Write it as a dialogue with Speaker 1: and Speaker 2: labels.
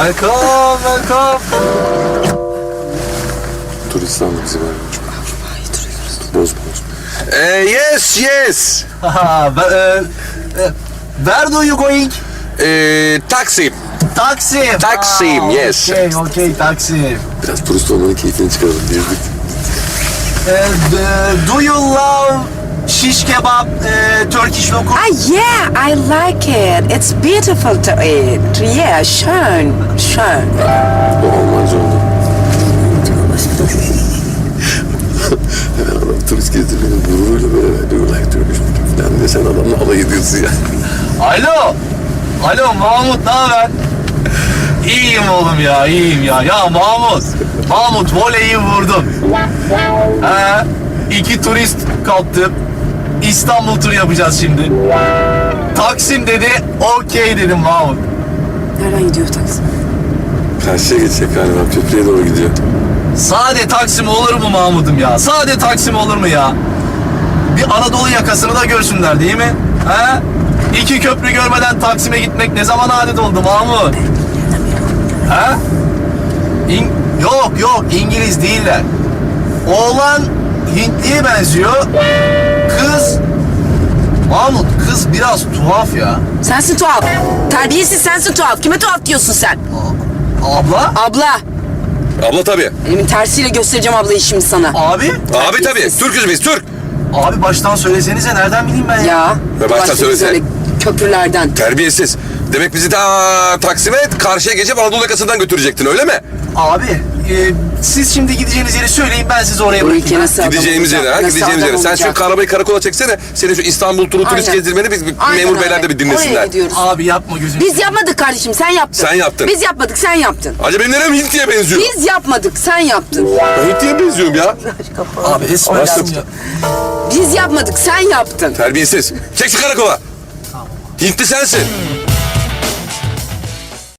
Speaker 1: Welcome, welcome.
Speaker 2: Turist sandı bizi böyle. Bozma. Yes, yes.
Speaker 1: Where do you going?
Speaker 2: Taksim.
Speaker 1: Taksim.
Speaker 2: Taksim, yes.
Speaker 1: Okay, Taksim.
Speaker 2: Biraz turist olmanın keyfini çıkaralım diye.
Speaker 1: Do you love shish kebab, Turkish lokum?
Speaker 3: Yeah, I like it. It's beautiful to eat. Yeah, schön.
Speaker 2: O Almanca oldu. Hemen adam turist gezdirmenin gururuyla böyle diyor like Turkish falan diye sen adamla alay ediyorsun ya.
Speaker 1: Alo Mahmut, ne haber? İyiyim oğlum ya, iyiyim ya. Ya Mahmut voleyi vurdun. He, 2 turist kaptım. İstanbul turu yapacağız şimdi. Taksim dedi, okey dedim Mahmut.
Speaker 3: Nereden gidiyor taksi?
Speaker 2: Karşıya geçecek galiba, köprüye doğru gidiyor.
Speaker 1: Sade Taksim olur mu Mahmut'um ya? Sade Taksim olur mu ya? Bir Anadolu yakasını da görsünler değil mi? He? 2 köprü görmeden Taksim'e gitmek ne zaman adet oldu Mahmut? He? Yok İngiliz değiller. Oğlan Hintliye benziyor. Mahmut kız biraz tuhaf ya.
Speaker 3: Sensin tuhaf. Terbiyesiz sensin tuhaf. Kime tuhaf diyorsun sen?
Speaker 1: Abla?
Speaker 3: Abla.
Speaker 2: Abla tabii.
Speaker 3: Elimin tersiyle göstereceğim ablayı şimdi sana.
Speaker 1: Abi?
Speaker 2: Abi tabii. Türk'üz biz, Türk.
Speaker 1: Abi baştan söylesenize, nereden bileyim ben ya?
Speaker 3: Ya.
Speaker 2: Ve baştan
Speaker 3: başladık
Speaker 2: söylesene.
Speaker 3: böyle köprülerden.
Speaker 2: Terbiyesiz. Demek bizi ta Taksim'e karşıya geçip Anadolu yakasından götürecektin öyle mi?
Speaker 1: Abi siz şimdi gideceğiniz yeri söyleyin, ben sizi oraya
Speaker 3: Bu ülke
Speaker 1: bırakayım.
Speaker 3: nasıl adam
Speaker 2: Gideceğimiz
Speaker 3: olacak?
Speaker 2: yere ha,
Speaker 3: Nasıl
Speaker 2: gideceğimiz
Speaker 3: adam
Speaker 2: yere. Sen
Speaker 3: olacak?
Speaker 2: şu arabayı karakola çeksene. Senin şu İstanbul turu turist
Speaker 3: Aynen.
Speaker 2: gezdirmeni biz
Speaker 3: Aynen
Speaker 2: memur
Speaker 3: öyle.
Speaker 2: beyler de bir
Speaker 3: Oraya
Speaker 2: dinlesinler.
Speaker 3: gidiyoruz.
Speaker 1: Abi yapma gözünü.
Speaker 3: Biz yapmadık kardeşim, sen yaptın.
Speaker 2: Sen yaptın.
Speaker 3: Biz yapmadık, sen yaptın.
Speaker 2: Acaba benim nerem Hintli'ye benziyor?
Speaker 3: Biz yapmadık, sen yaptın.
Speaker 2: Ben Hintli'ye benziyorum ya.
Speaker 1: Abi esmer
Speaker 2: Başladım.
Speaker 1: ya.
Speaker 3: Biz yapmadık, sen yaptın.
Speaker 2: Terbiyesiz. Çek şu karakola. Hintli sensin.